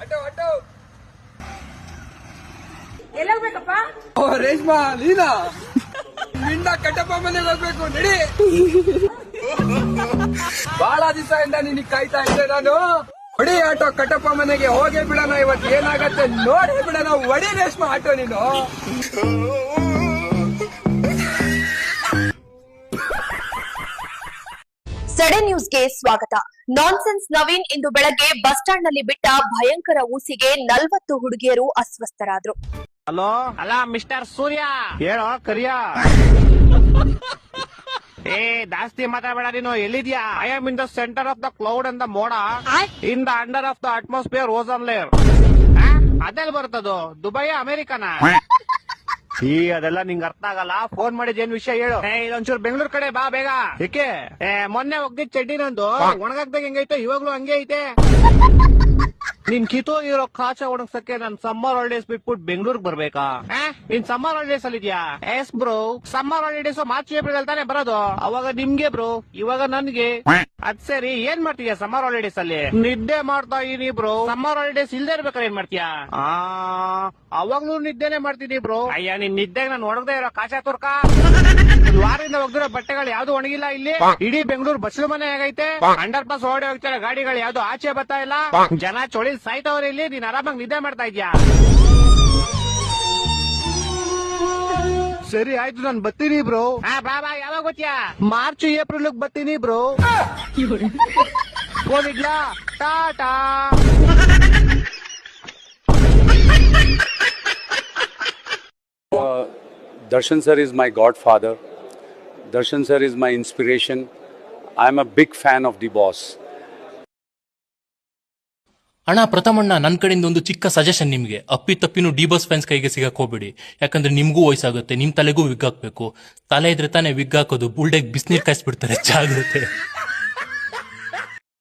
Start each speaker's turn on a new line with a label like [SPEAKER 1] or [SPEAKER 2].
[SPEAKER 1] ಎಲ್ಲ ಹೋಗ್ಬೇಕಪ್ಪ?
[SPEAKER 2] ಓ ರೇಷ್ಮಾ ನೀನಾ? ನಿನ್ನ ಕಟ್ಟಪ್ಪ ಮನೆಗೆ ಹೋಗ್ಬೇಕು ನಡಿ. ಬಹಳ ದಿವಸದಿಂದ ನಿನಗೆ ಕಾಯ್ತಾ ಇದ್ದೆ ನಾನು. ಹೊಡಿ ಆಟೋ ಕಟ್ಟಪ್ಪ ಮನೆಗೆ ಹೋಗೇ ಬಿಡೋಣ. ಇವತ್ತು ಏನಾಗತ್ತೆ ನೋಡಿ ಬಿಡೋಣ. ಹೊಡಿ ರೇಷ್ಮಾ ಆಟೋ ನೀನು.
[SPEAKER 3] ಸಡೆ ನ್ಯೂಸ್ಗೆ ಸ್ವಾಗತ. ನಾನ್ಸೆನ್ಸ್ ನವೀನ್ ಇಂದು ಬೆಳಗ್ಗೆ ಬಸ್ ಸ್ಟಾಂಡ್ ನಲ್ಲಿ ಬಿಟ್ಟ ಭಯಂಕರ ಊಸಿಗೆ 40 ಹುಡುಗಿಯರು ಅಸ್ವಸ್ಥರಾದ್ರು.
[SPEAKER 4] ಹಲೋ ಅಲ್ಲ ಮಿಸ್ಟರ್ ಸೂರ್ಯ ಹೇಳೋ ಕರಿಯ. ಏ ಜಾಸ್ತಿ ಮಾತಾಡಬೇಡ ನೀನು. ಎಲ್ಲಿದ್ಯಾ? I am in the center of the cloud and the ಮೋಡ in the under of the atmosphere ozone layer. ಅದೆಲ್ಲ ಬರ್ತದು? ದುಬೈ ಅಮೆರಿಕನ? ಅದೆಲ್ಲ ನಿಂಗೆ ಅರ್ಥ ಆಗಲ್ಲ. ಫೋನ್ ಮಾಡಿದ್ ಏನ್ ವಿಷಯ ಹೇಳು. ಇದೊಂಚೂರು ಬೆಂಗಳೂರು ಕಡೆ ಬಾ ಬೇಗ. ಏಕೆ? ಮೊನ್ನೆ ಹೋಗ್ದಿದ್ ಚಡ್ಡಿ ನಂದು ಒಣಗಾಕ್ದಾಗ ಹೆಂಗೈತೆ ಇವಾಗ್ಲೂ ಹಂಗೆ ಐತೆ. ನಿನ್ ಕಿತ್ತೋಗಿರೋ ಕಾಚ ಒಣಗ್ಸಕ್ಕೆ ನನ್ ಸಮ್ಮರ್ ಹಾಲಿಡೇಸ್ ಬಿಟ್ಬಿಟ್ಟು ಬೆಂಗಳೂರಿಗೆ ಬರ್ಬೇಕಾ? ನೀನ್ ಸಮ್ಮರ್ ಹಾಲಿಡೇಸ್ ಅಲ್ಲಿ ಇದೆಯಾ? Yes bro, summer holidays March April ಅಲ್ಲಿ ತಾನೆ ಬರೋದು. ಅವಾಗ ನಿಮ್ಗೆ ಬ್ರೋ, ಇವಾಗ ನನ್ಗೆ. ಅದ್ ಸರಿ, ಏನ್ ಮಾಡ್ತೀಯಾ ಸಮ್ಮರ್ ಹಾಲಿಡೇಸ್ ಅಲ್ಲಿ? ನಿದ್ದೆ ಮಾಡ್ತಾ ಇದೀನಿ ಬ್ರೋ. ಸಮ್ಮರ್ ಹಾಲಿಡೇಸ್ ಇಲ್ದೇ ಇರ್ಬೇಕಾದ್ರೆ ಏನ್ ಮಾಡ್ತೀಯಾ? ಅವಾಗ್ಲೂ ನಿದ್ದೆನೆ ಮಾಡ್ತೀನಿ ಬ್ರೋ. ಅಯ್ಯ, ನಿನ್ ನಿದ್ದೆಗೆ ನಾನು ಒಣಗದೆ ಇರೋ ಕಾಚ ತುರ್ಕ. ವಾರದಿಂದ ಒಗ್ದಿರೋ ಬಟ್ಟೆಗಳು ಯಾವ್ದು ಒಣಗಿಲ್ಲ ಇಲ್ಲಿ. ಇಡೀ ಬೆಂಗಳೂರು ಬಸ್ಲು ಮನೆ ಆಗೈತೆ. ಅಂಡರ್ ಪಾಸ್ ಓಡಿ ಹೋಗ್ತಾರೆ ಗಾಡಿಗಳು, ಯಾವ್ದು ಆಚೆ ಬರ್ತಾ ಇಲ್ಲ. ಜನ ಚೊಳಿ ಸಾಯ್ತವ್ರೆ ಇಲ್ಲಿ. ನೀನ್ ಆರಾಮಾಗಿ ನಿದ್ದೆ ಮಾಡ್ತಾ ಇದ್ಯಾ? ಸರಿ ಆಯ್ತು, ನಾನು ಬರ್ತೀನಿ ಬ್ರೋ. ಬಾಬಾ, ಯಾವಾಗ ಗೊತ್ತಾ? ಮಾರ್ಚ್ ಏಪ್ರಿಲ್ ಬರ್ತೀನಿ ಬ್ರೋ. ಹೋಗಿಡ್ಲಾ? Tata.
[SPEAKER 5] Darshan sir is my godfather. Darshan sir is my inspiration. I am a big fan of the boss.
[SPEAKER 6] ಅಣ್ಣ ಪ್ರಥಮಣ್ಣ, ನನ್ನ ಕಡೆಯಿಂದ ಒಂದು ಚಿಕ್ಕ ಸಜೆಷನ್ ನಿಮಗೆ. ಅಪ್ಪಿತಪ್ಪಿನೂ ಡಿ ಬಾಸ್ ಫ್ಯಾನ್ಸ್ ಕೈಗೆ ಸಿಗಕ್ ಹೋಗ್ಬೇಡಿ. ಯಾಕಂದ್ರೆ ನಿಮ್ಗೂ ವಯಸ್ಸಾಗುತ್ತೆ, ನಿಮ್ ತಲೆಗೂ ವಿಗ್ ಹಾಕ್ಬೇಕು. ತಲೆ ಇದ್ರೆ ತಾನೇ ವಿಗ್ ಹಾಕೋದು. ಬುಲ್ಡೆಗ್ ಬಿಸಿನೀರ್ ಕಾಯಿಸ್ಬಿಡ್ತಾರೆ. ಜಾಗ್ರತೆ.